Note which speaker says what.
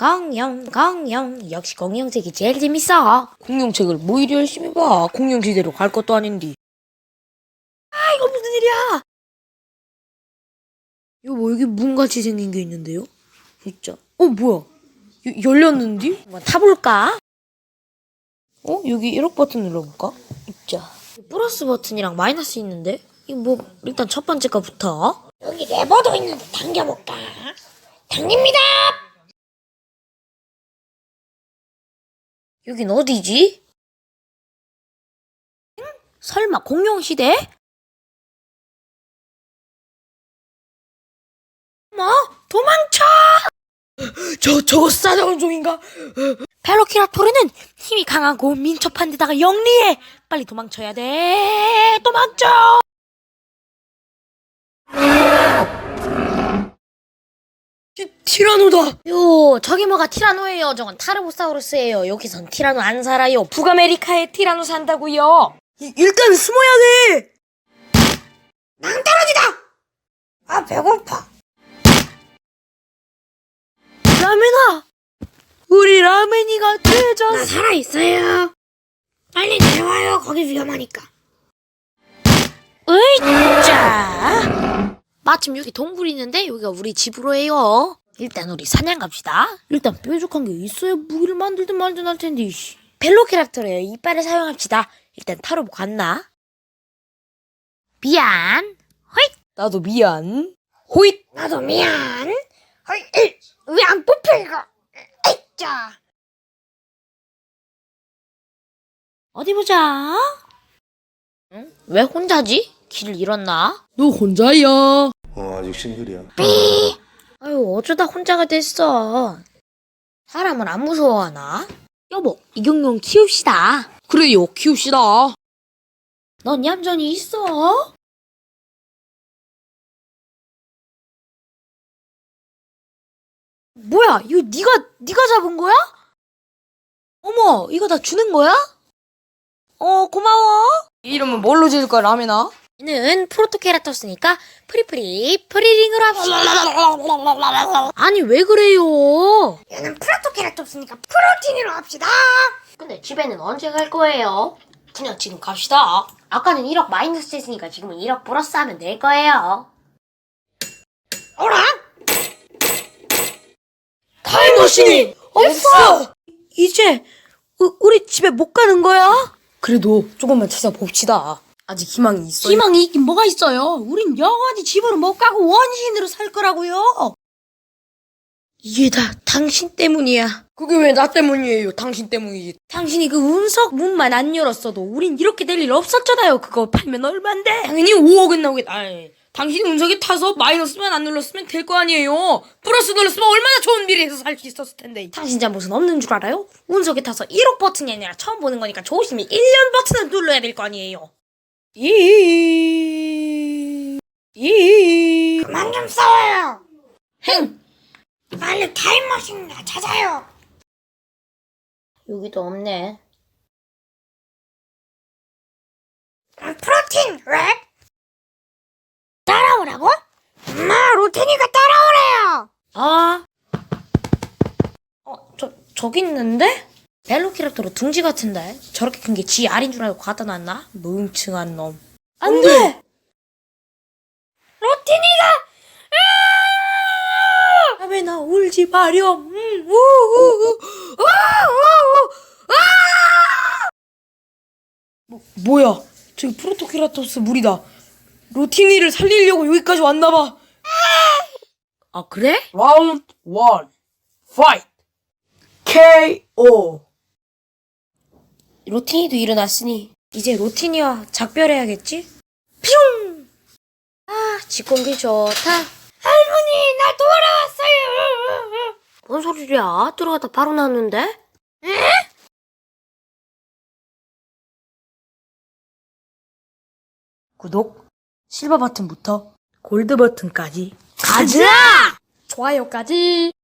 Speaker 1: 공룡. 역시 공룡책이 제일 재밌어.
Speaker 2: 공룡책을 뭐 이리 열심히 봐. 공룡지대로 갈 것도 아닌데.
Speaker 1: 아, 이거 무슨 일이야?
Speaker 2: 이거 뭐 여기 문같이 생긴 게 있는데요? 진짜. 뭐야? 열렸는데?
Speaker 1: 한번 타볼까?
Speaker 2: 여기 1억 버튼 눌러볼까? 있자.
Speaker 1: 플러스 버튼이랑 마이너스 있는데? 이거 뭐 일단 첫 번째 거부터.
Speaker 3: 여기 레버도 있는데 당겨볼까? 당깁니다!
Speaker 1: 여긴 어디지? 설마 공룡시대? 뭐? 도망쳐!
Speaker 2: 저거 싸다운 종인가?
Speaker 1: 벨로키라토르는 힘이 강하고 민첩한 데다가 영리해. 빨리 도망쳐야 돼. 도망쳐!
Speaker 2: 티라노다!
Speaker 1: 저기 뭐가 티라노예요. 저건 타르보사우루스예요. 여기선 티라노 안 살아요. 북아메리카에 티라노 산다고요.
Speaker 2: 일단 숨어야 돼!
Speaker 3: 낭떠러지다! 아, 배고파.
Speaker 1: 라멘아! 우리 라멘이가 되졌어.
Speaker 3: 나 살아있어요. 빨리 내려와요. 거기 위험하니까.
Speaker 1: 으이짜! 마침 여기 동굴이 있는데 여기가 우리 집으로 해요. 일단 우리 사냥 갑시다.
Speaker 2: 일단 뾰족한 게 있어야 무기를 만들든 말든 할 텐데.
Speaker 1: 벨로키랍토르의 이빨을 사용합시다. 일단 타로 갔나? 미안. 호잇!
Speaker 2: 나도 미안. 호잇!
Speaker 3: 나도 미안. 왜 안 뽑혀, 이거? 자.
Speaker 1: 어디 보자. 응? 왜 혼자지? 길을 잃었나?
Speaker 2: 너 혼자야.
Speaker 4: 아직 싱글이야.
Speaker 1: 아유, 어쩌다 혼자가 됐어. 사람을 안 무서워하나? 여보, 이경룡 키웁시다.
Speaker 2: 그래요, 키웁시다.
Speaker 1: 넌 얌전히 있어. 뭐야, 이거 네가 잡은 거야? 어머, 이거 다 주는 거야? 고마워.
Speaker 2: 이름은 뭘로 지을 거야, 라멘아?
Speaker 1: 얘는 프로토케라토스니까 프리링으로 합시다. 아니, 왜 그래요?
Speaker 3: 얘는 프로토케라톱스니까 프로틴으로 합시다.
Speaker 1: 근데 집에는 언제 갈 거예요? 그냥 지금 갑시다. 아까는 1억 마이너스 했으니까 지금은 1억 플러스 하면 될 거예요.
Speaker 3: 어라?
Speaker 2: 타임머신이 없어!
Speaker 1: 이제 우리 집에 못 가는 거야?
Speaker 2: 그래도 조금만 찾아봅시다. 아직 희망이 있어요.
Speaker 1: 희망이 있긴 뭐가 있어요? 우린 영원히 집으로 못 가고 원신으로 살 거라고요. 이게 다 당신 때문이야.
Speaker 2: 그게 왜 나 때문이에요? 당신 때문이지.
Speaker 1: 당신이 그 운석 문만 안 열었어도 우린 이렇게 될 일 없었잖아요. 그거 팔면 얼만데?
Speaker 2: 당연히 5억은 나오겠다. 당신이 운석에 타서 마이너스만 안 눌렀으면 될 거 아니에요. 플러스 눌렀으면 얼마나 좋은 미래에서 살 수 있었을 텐데.
Speaker 1: 당신 잘못은 없는 줄 알아요? 운석에 타서 1억 버튼이 아니라 처음 보는 거니까 조심히 1년 버튼을 눌러야 될 거 아니에요.
Speaker 3: 그만 좀 싸워요.
Speaker 1: 흥!
Speaker 3: 빨리 타임머신 찾아요.
Speaker 1: 여기도 없네.
Speaker 3: 프로틴, 왜? 따라오라고? 엄마, 로테니가 따라오래요.
Speaker 1: 저기 있는데? 벨로키랍토르 둥지 같은데? 저렇게 큰 게 지 알인 줄 알고 갖다 놨나? 멍청한 놈. 안 돼!
Speaker 3: 로테니가!
Speaker 1: 라멘아, 울지 마렴.
Speaker 2: 뭐야? 저기 프로토케라토스 물이다. 로티니를 살리려고 여기까지 왔나봐.
Speaker 1: 아, 그래?
Speaker 2: 라운드 1 파이트 KO.
Speaker 1: 로티니도 일어났으니 이제 로티니와 작별해야겠지? 퓨! 직공기 좋다.
Speaker 3: 할머니, 나 돌아왔어요.
Speaker 1: 뭔 소리야? 들어가다 바로 나왔는데?
Speaker 2: 구독, 실버 버튼부터 골드 버튼까지
Speaker 1: 가자! 좋아요까지!